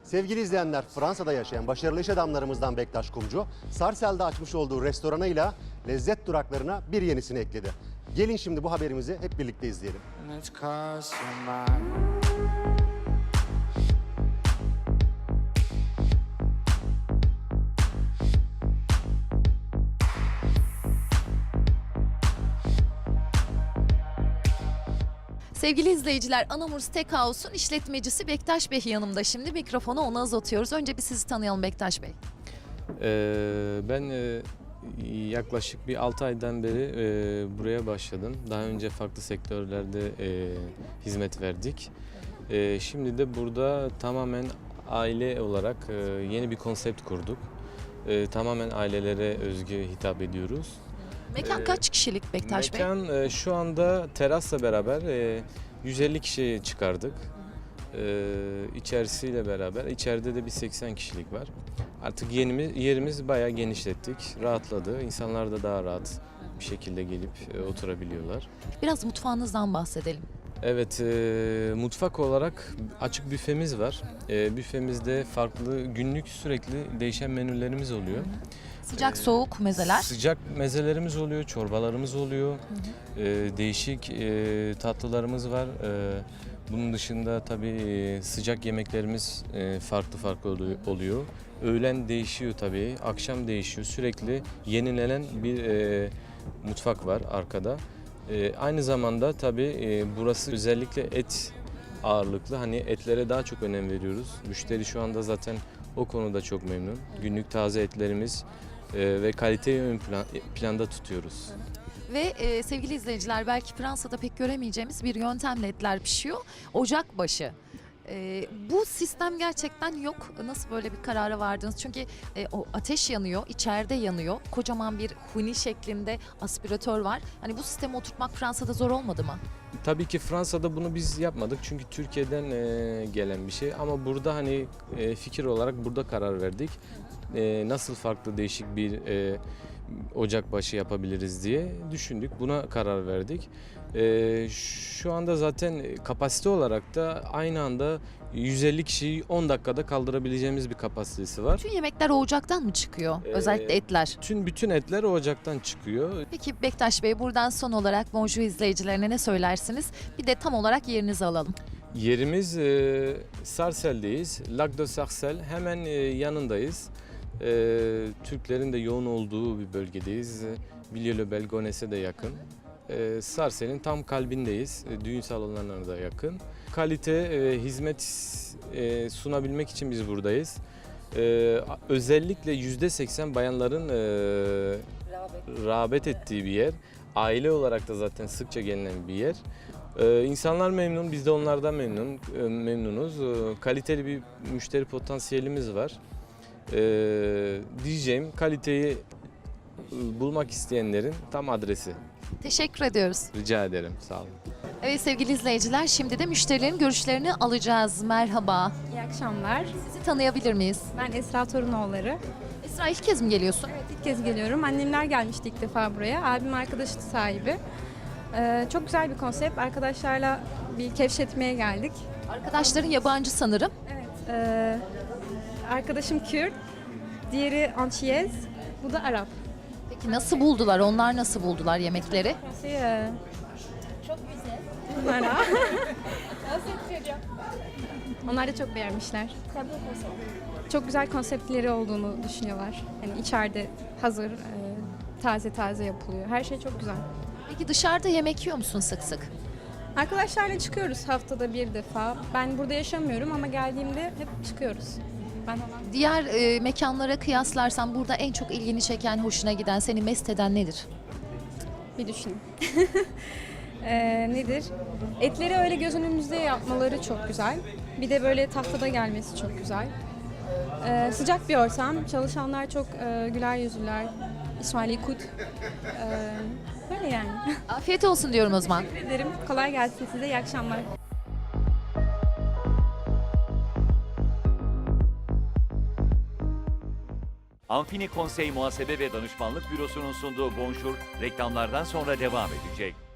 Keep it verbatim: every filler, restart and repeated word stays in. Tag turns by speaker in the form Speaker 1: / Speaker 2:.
Speaker 1: Sevgili izleyenler, Fransa'da yaşayan başarılı iş adamlarımızdan Bektaş Kumcu, Sarcelles açmış olduğu restoranıyla lezzet duraklarına bir yenisini ekledi. Gelin şimdi bu haberimizi hep birlikte izleyelim.
Speaker 2: Sevgili izleyiciler, Anamur Steakhouse'un işletmecisi Bektaş Bey yanımda. Şimdi mikrofonu ona uzatıyoruz. Önce bir sizi tanıyalım Bektaş Bey.
Speaker 3: Ee, ben e, yaklaşık bir altı aydan beri e, buraya başladım. Daha önce farklı sektörlerde e, hizmet verdik. E, şimdi de burada tamamen aile olarak e, yeni bir konsept kurduk. E, tamamen ailelere özgü hitap ediyoruz.
Speaker 2: Mekan kaç kişilik Bektaş Bey?
Speaker 3: Mekan e, şu anda terasla beraber e, yüz elli kişiye çıkardık. E, içerisiyle beraber. İçeride de bir seksen kişilik var. Artık yerimiz, yerimiz bayağı genişlettik. Rahatladı. İnsanlar da daha rahat bir şekilde gelip e, oturabiliyorlar.
Speaker 2: Biraz mutfağınızdan bahsedelim.
Speaker 3: Evet, e, mutfak olarak açık büfemiz var. E, büfemizde farklı günlük sürekli değişen menülerimiz oluyor.
Speaker 2: Sıcak soğuk mezeler.
Speaker 3: Sıcak mezelerimiz oluyor, çorbalarımız oluyor.
Speaker 2: Hı hı.
Speaker 3: Ee, değişik e, tatlılarımız var. Ee, bunun dışında tabii e, sıcak yemeklerimiz e, farklı farklı oluyor- oluyor. Öğlen değişiyor tabii, akşam değişiyor. Sürekli yenilenen bir e, mutfak var arkada. E, aynı zamanda tabii e, burası özellikle et ağırlıklı. Hani etlere daha çok önem veriyoruz. Müşteri şu anda zaten o konuda çok memnun. Günlük taze etlerimiz e, ve kaliteyi ön plan, planda tutuyoruz.
Speaker 2: Ve e, sevgili izleyiciler, belki Fransa'da pek göremeyeceğimiz bir yöntemle etler pişiyor. Ocakbaşı. E, bu sistem gerçekten yok. Nasıl böyle bir karara vardınız? Çünkü e, o ateş yanıyor, içeride yanıyor. Kocaman bir huni şeklinde aspiratör var. Hani bu sistemi oturtmak Fransa'da zor olmadı mı?
Speaker 3: Tabii ki Fransa'da bunu biz yapmadık çünkü Türkiye'den e, gelen bir şey ama burada hani e, fikir olarak burada karar verdik. E, nasıl farklı değişik bir e, ocakbaşı yapabiliriz diye düşündük. Buna karar verdik. E, şu anda zaten kapasite olarak da aynı anda yüz elli kişiyi on dakikada kaldırabileceğimiz bir kapasitesi var.
Speaker 2: Tüm yemekler o ocaktan mı çıkıyor?
Speaker 3: Ee,
Speaker 2: Özellikle etler.
Speaker 3: Tüm bütün etler o ocaktan çıkıyor.
Speaker 2: Peki Bektaş Bey, buradan son olarak Bonjour izleyicilerine ne söylersiniz? Bir de tam olarak yerinizi alalım.
Speaker 3: Yerimiz e, Sarcelles'deyiz. Lac de Sarcelles hemen e, yanındayız. E, Türklerin de yoğun olduğu bir bölgedeyiz. Villiers-le-Bel, de yakın. E, Sarcelles'in tam kalbindeyiz. E, düğün salonlarına da yakın. Kalite, e, hizmet e, sunabilmek için biz buradayız. E, özellikle yüzde seksen bayanların e, rağbet ettiği bir yer. Aile olarak da zaten sıkça gelinen bir yer. Ee, insanlar memnun, biz de onlardan memnun, e, memnunuz. Ee, kaliteli bir müşteri potansiyelimiz var. Ee, diyeceğim kaliteyi e, bulmak isteyenlerin tam adresi.
Speaker 2: Teşekkür ediyoruz.
Speaker 3: Rica ederim, sağ olun.
Speaker 2: Evet sevgili izleyiciler, şimdi de müşterilerin görüşlerini alacağız. Merhaba.
Speaker 4: İyi akşamlar.
Speaker 2: Sizi tanıyabilir miyiz?
Speaker 4: Ben Esra Torunoğulları.
Speaker 2: Esra, ilk kez mi geliyorsun?
Speaker 4: Evet, ilk kez geliyorum. Annemler gelmişti ilk defa buraya. Abim arkadaşı sahibi. Ee, çok güzel bir konsept. Arkadaşlarla bir kevşetmeye geldik.
Speaker 2: Arkadaşların yabancı sanırım.
Speaker 4: Evet. Ee, arkadaşım Kürt, diğeri Antiyez, bu da Arap.
Speaker 2: Peki nasıl buldular? Onlar nasıl buldular yemekleri?
Speaker 4: Şey, e, çok güzel. Bunlara. Onlar da çok beğenmişler. Çok güzel konseptleri olduğunu düşünüyorlar. Yani içeride hazır, e, taze taze yapılıyor. Her şey çok güzel.
Speaker 2: Peki dışarıda yemek yiyor musun sık sık?
Speaker 4: Arkadaşlarla çıkıyoruz haftada bir defa. Ben burada yaşamıyorum ama geldiğimde hep çıkıyoruz. Ben olan
Speaker 2: Diğer e, mekanlara kıyaslarsan burada en çok ilgini çeken, hoşuna giden, seni mest eden nedir?
Speaker 4: bir düşüneyim. Ee, nedir? Etleri öyle göz önümüzde yapmaları çok güzel. Bir de böyle tahtada gelmesi çok güzel. Ee, sıcak bir ortam. Çalışanlar çok e, güler yüzlüler. İsmail Kut. Ee, böyle yani.
Speaker 2: Afiyet olsun diyorum o zaman.
Speaker 4: Teşekkür ederim. Kolay gelsin size. İyi akşamlar.
Speaker 5: Amfini Konsey Muhasebe ve Danışmanlık Bürosu'nun sunduğu Bonjour reklamlardan sonra devam edecek.